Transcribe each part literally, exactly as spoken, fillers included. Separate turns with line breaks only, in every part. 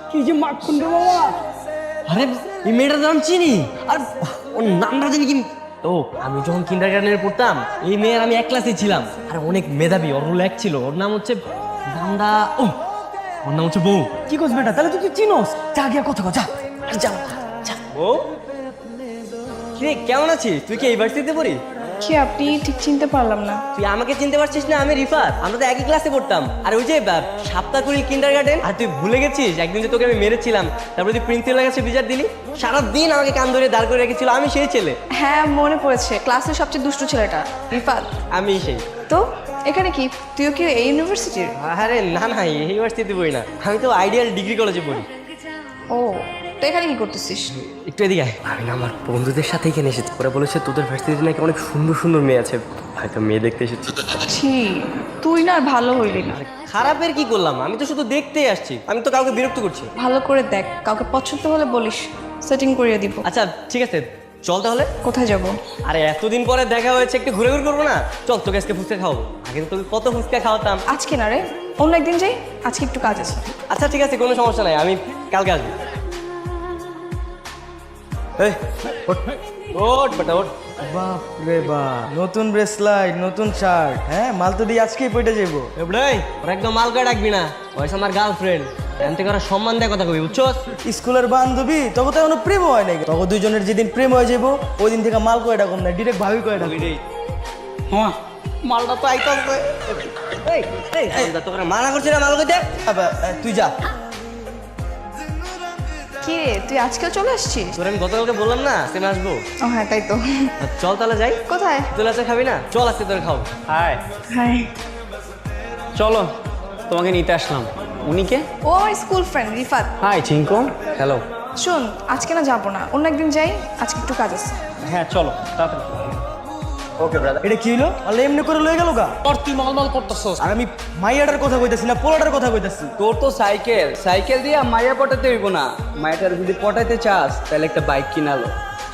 কি যে মাখন রে বাবা।
আরে এই মেয়েটার নাম চিনি, আর ওর নামটা জানি কি। ও আমি যখন কিন্ডারগার্টেনে পড়তাম এই মেয়ের আমি এক ক্লাসে ছিলাম, আর অনেক মেধাবী, ওর রোল এক ছিল। ওর নাম হচ্ছে নামটা ও ওর নাম হচ্ছে বউ।
কি করছ বেটা, তাহলে তুই তুই চিনোস, যা গিয়া কথা কথা।
আর যাও যা। বউ কিরে কেমন আছিস? তুই কি ইউনিভার্সিটিতে পড়ি?
কি আপনি ঠিক চিনতে পারলাম না।
তুই আমাকে চিনতে পারছিস না? আমি রিফাত, আমরা তো একই ক্লাসে পড়তাম। আর ওই যে সাপ্তাহকুড়ি কিন্ডারগার্টেন, আর তুই ভুলে গেছিস একদিন যে তোকে আমি মেরেছিলাম, তারপরে তুই প্রিন্সিপালের কাছে বিচার দিলি, সারাদিন আমাকে কান ধরে দাঁড় করে রেখেছিল। আমি সেই ছেলে।
হ্যাঁ মনে পড়েছে, ক্লাসের সবচেয়ে দুষ্টু ছেলেটা রিফাত।
আমি সেই।
তো এখানে কি তুইও কি এই ইউনিভার্সিটির?
আরে না না, এই ইউনিভার্সিটিতে পড়ি না, আমি তো আইডিয়াল ডিগ্রি কলেজে পড়ি।
ও তো এখানে কি করতেছিস?
একটু এদিকে আয়। আমি না আমার বন্ধুদের সাথে এখানে এসেছি। ওরা বলেছে তোদের ভার্সিটিতে নাকি অনেক সুন্দর সুন্দর মেয়ে আছে, হয়তো মেয়ে দেখতে এসেছি।
ছি, তুই না আর ভালো হইলি না।
খারাপের কি করলাম? আমি তো শুধু দেখতেই আসছি, আমি তো কাউকে বিরক্ত করছি।
ভালো করে দেখ, কাউকে পছন্দ হলে বলিস, সেটিং করিয়ে দিব।
আচ্ছা ঠিক আছে, চল তাহলে।
কোথায় যাব?
আরে এতদিন পরে দেখা হয়েছে, একটু ঘুরে ঘুরে করবো না? চল তোকে আজকে ফুচকা খাওয়াবো। আগে তো তোকে কত ফুচকা খাওয়াতাম।
আজকে না রে, অন্য একদিন যাই, আজকে একটু কাজ আছে।
আচ্ছা ঠিক আছে, কোনো সমস্যা নাই, আমি কালকে আসবো। এই, ওঠ, ওঠ বেটা ওঠ।
বাপ রে বাপ, নতুন ব্রেসলাইট, নতুন শার্ট, হ্যাঁ মাল তো দিয়ে আজকেই পয়টা যাবো।
এবড়াই ওরা একদম মালকা ডাকবি না, ওই আমার গার্লফ্রেন্ড। এমন থেকে ওরা সম্মান দেয় কথা কবি, বুঝছস?
স্কুলের বান্ধবী, তবে তো এখনো প্রেম হয় নাই। তবে দুইজনের যেদিন প্রেম হয়ে যাবো ওই দিন থেকে মাল কয়টা কম না, ডিরেক্ট ভাবি কয়টা।
হ্যাঁ মালটা তো আইতাছে। এই এই এই তোকে মানা করছি না মাল কইতে।
আবার, এ, তুই যা।
কি রে, তুই আজকেও চলে আসছিস?
তোর আমি গতকালকে বললাম না সেম আসবো।
ও হ্যাঁ তাই তো।
চল তাহলে যাই।
কোথায়?
তোর আছে খাবি না? চল আজকে তোর খাও।
Hi,
hi.
চলো তোমাকে নিতে আসলাম। উনি কে?
ও আমার school friend Rifat.
Hi Chinku.
Hello.
শোন, আজকে না যাবো না, অন্য একদিন যাই, আজকে একটু কাজ আছে।
হ্যাঁ চলো তাড়াতাড়ি।
Okay brother.
এটা কি হলো? আল্লাহ এমনি করে লয়ে গেল গা।
তোর তুই মালমাল করতেছস।
আর আমি মাইয়াটার কথা কইতাছি না, পোলাটার কথা কইতাছি।
তোর তো সাইকেল সাইকেল দিয়ে মাইয়া পটাতে হইব না। মাইয়াটার যদি পটাইতে চাস তাহলে একটা বাইক কিনালো।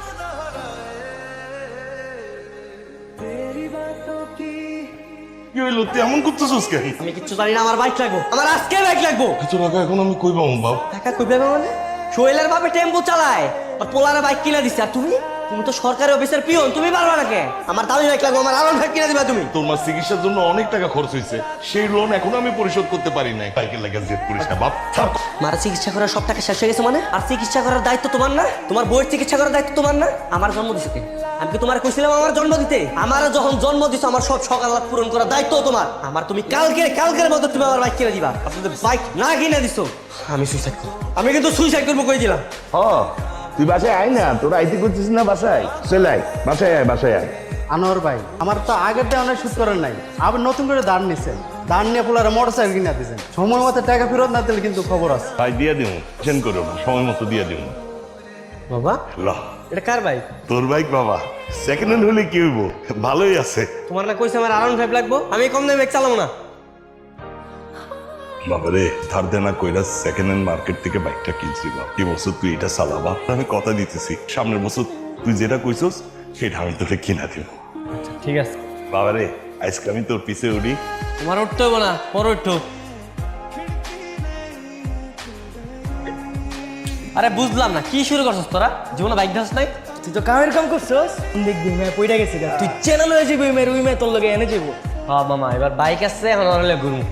কি হইলো? তুই এমন করতেছিস কেন?
আমি কিচ্ছু জানি না, আমার বাইক লাগবো, আমার আজকে বাইক লাগবো।
এত টাকা এখন আমি কই পাবো বাপ?
টাকা কই পাবে মানে? শৈলের বাপে টেম্পো চালায়, আর পোলারে বাইক কিনে দিচ্ছে। আর তুমি তুমি তো সরকারি অফিসের পিয়ন, তুমি পারবা না কে? আমার দামি বাইক লাগবো, আমার আরো বাইক কিনে দিবা তুমি।
তোর মার চিকিৎসার জন্য অনেক টাকা খরচ হয়েছে, সেই লোন এখনো আমি পরিশোধ করতে পারি নাই। বাইকের লাগে জেদ করিস না বাপ। থাক।
মারা চিকিৎসা করার সব টাকা শেষ হয়ে গেছে মানে? আর চিকিৎসা করার দায়িত্ব তোমার না? তোমার বইয়ের চিকিৎসা করার দায়িত্ব তোমার না? আমার জন্ম দিছে কে? আমি কি তোমার কইছিলাম আমার জন্ম দিতে? আমার যখন জন্ম দিছো আমার সব সকাল পূরণ করার দায়িত্ব তোমার। আমার তুমি কালকে কালকের মধ্যে তুমি আমার বাইক কিনে দিবা। আপনাদের বাইক না কিনে দিছো আমি সুইসাইড করব। আমি কিন্তু সুইসাইড করবো কই দিলাম।
হ, তুই বাসায় আয় না, তোরা আইতে করছিস না বাসায়? চলে আয়, বাসায় আয়, বাসায় আয়।
আনোয়ার ভাই, আমার তো আগের দিয়ে অনেক সুদ করেন নাই, আবার নতুন করে দাঁড় নিছেন। দাঁড় নিয়ে পোলারে মোটর সাইকেল কিনে দিয়েছেন। সময় মতো টাকা ফেরত না দিলে কিন্তু খবর আছে।
ভাই দিয়ে দিও, টেনশন করো না, সময় মতো দিয়ে দিও।
বাবা
লা,
এটা কার বাইক?
তোর বাইক বাবা। সেকেন্ড হ্যান্ড হলে কি হইব? ভালোই আছে।
তোমার না কইছে আমার আরাউন্ড ফাইভ লাগবো, আমি কম দামে বাইক চালাবো না।
বাবারে, ধার দেনা কইরা সেকেন্ড হ্যান্ড মার্কেট থেকে বাইকটা কিনছি বাপ। এই বছর তুই এটা চালাবা, আমি কথা দিতেছি সামনের বছর তুই যেটা কইছস সেটা আমি তোকে কিনা দিব।
ঠিক আছে
বাবারে, আজকে আমি তোর পিছে উঠি।
তোমার উঠতে হবে না, পরে উঠো। আরে বুঝলাম না, কি শুরু করছিস তোরা? জীবনে বাইক ধাস নাই?
তুই তো কামের কাম করছস, দেখবি মেয়ে পয়টা গেছে গা। তুই চ্যানেল হয়ে যাবি, মেয়ের ওই মেয়ে তোর লগে এনে যাবো।
হ্যাঁ মামা, এবার বাইক আসছে, এখন ওরা ঘুরবো।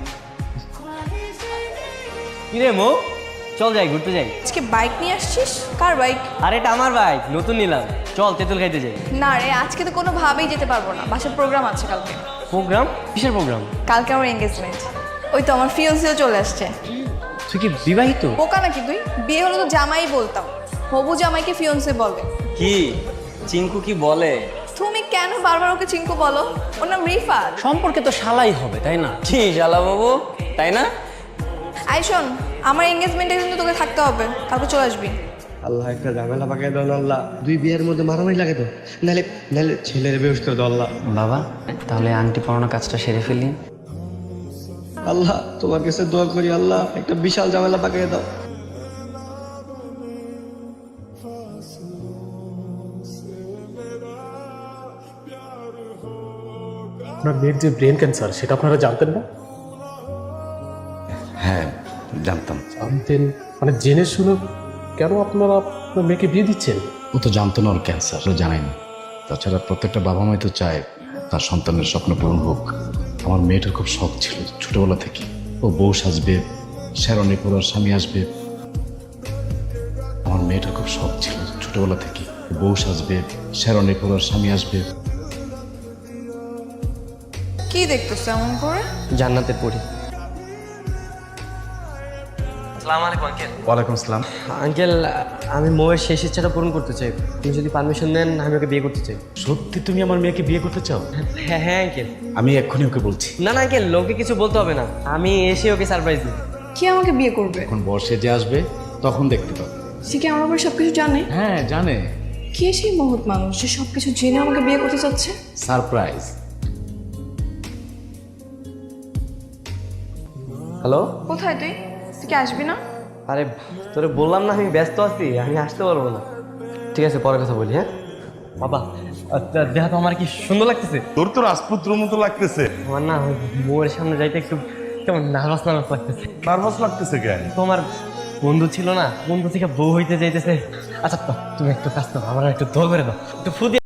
কি রে মো, চল যাই ঘুরতে যাই।
আজকে বাইক নিয়ে আসছিস? কার বাইক?
আরে এটা আমার বাইক, নতুন নিলাম। চল তেঁতুল খাইতে যাই।
না রে, আজকে তো কোনোভাবেই যেতে পারবো না, বাসার প্রোগ্রাম আছে কালকে।
প্রোগ্রাম? কিসের প্রোগ্রাম?
কালকে আমার এঙ্গেজমেন্ট। ওই তো আমার ফিয়ন্সিও চলে আসছে।
তুই কি বিবাহিত?
বোকা নাকি তুই? বিয়ে হলো তো জামাই বলতাম, হবু জামাইকে ফিয়ন্সে বলে।
কি চিঙ্কু কি বলে?
তুমি কেন বারবার ওকে চিঙ্কু বলো? ওর নাম রিফাত।
সম্পর্কে তো শালাই হবে তাই না?
কি শালা বাবু, তাই না?
আই শোন, আমার এঙ্গেজমেন্টে কিন্তু তোকে থাকতে হবে, কালকে চলে আসবি।
আল্লাহ একটা ঝামেলা পাকাই দাও না আল্লাহ। দুই বিয়ের মধ্যে মারামারি লাগে তো, নাহলে নাহলে ছেলের বেউস করে দাও আল্লাহ।
বাবা তাহলে আংটি পরানো কাজটা সেরে ফেলি।
আল্লাহ তোমার কাছে দোয়া করি আল্লাহ, একটা বিশাল ঝামেলা পাকাই দাও।
আপনার মেয়ের যে ব্রেন ক্যান্সার সেটা আপনারা জানতেন না?
হ্যাঁ
জানতাম।
জানতেন মানে জেনে শুনে কেন আপনারা আপনার মেয়েকে বিয়ে দিচ্ছেন?
ও তো জানতো না ওর ক্যান্সার, ও জানায়নি। তাছাড়া প্রত্যেকটা বাবা মাই তো চায় তার সন্তানের স্বপ্ন পূরণ হোক। আমার মেয়েটার খুব শখ ছিল ছোটবেলা থেকে, ও বউ সাজবে, শেরনি পরার স্বামী আসবে। আমার মেয়েটার খুব শখ ছিল ছোটবেলা থেকে, বউ সাজবে, শেরনি পরার স্বামী আসবে।
কি দেখতেছো এমন করে?
জান্নাতের পরি। আসসালামু আলাইকুম আঙ্কেল।
ওয়ালাইকুম আসসালাম।
আঙ্কেল, আমি মৌয়ের শেষ ইচ্ছাটা পূরণ করতে চাই। আপনি যদি পারমিশন দেন আমি ওকে বিয়ে করতে চাই।
সত্যি তুমি আমার মেয়েকে বিয়ে করতে চাও?
হ্যাঁ হ্যাঁ আঙ্কেল।
আমি এক্ষুনি ওকে বলছি।
না না আঙ্কেল, লোকে কিছু বলতে হবে না, আমি এসে ওকে সারপ্রাইজ দিই।
কি আমাকে বিয়ে করবে?
এখন বর্ষে যে আসবে তখন দেখতে পাবে।
সে কি আমার ব্যাপারে সবকিছু জানে?
হ্যাঁ জানে।
কে সেই মহৎ মানুষ যে সবকিছু জেনে আমাকে বিয়ে করতে চাচ্ছে?
সারপ্রাইজ।
হ্যালো।
কোথায় তুই? তুই কি আসবি না?
আরে তোরে বললাম না আমি ব্যস্ত আছি, আমি আসতে পারবো না। ঠিক আছে, পরে কথা বলি। হ্যাঁ বাবা, দেখা তো আমার কি সুন্দর লাগতেছে।
তোর তো রাজপুত্র মতো লাগতেছে।
আমার না বউয়ের সামনে যাইতে একটু কেমন নার্ভাস নার্ভাস লাগতেছে।
নার্ভাস লাগতেছে কেন?
তোমার বন্ধু ছিল না, বন্ধু থেকে বউ হইতে যাইতেছে। আচ্ছা তো তুমি একটু কাজ করো, আমার একটু দোয়া করে দাও, একটু ফু দিয়ে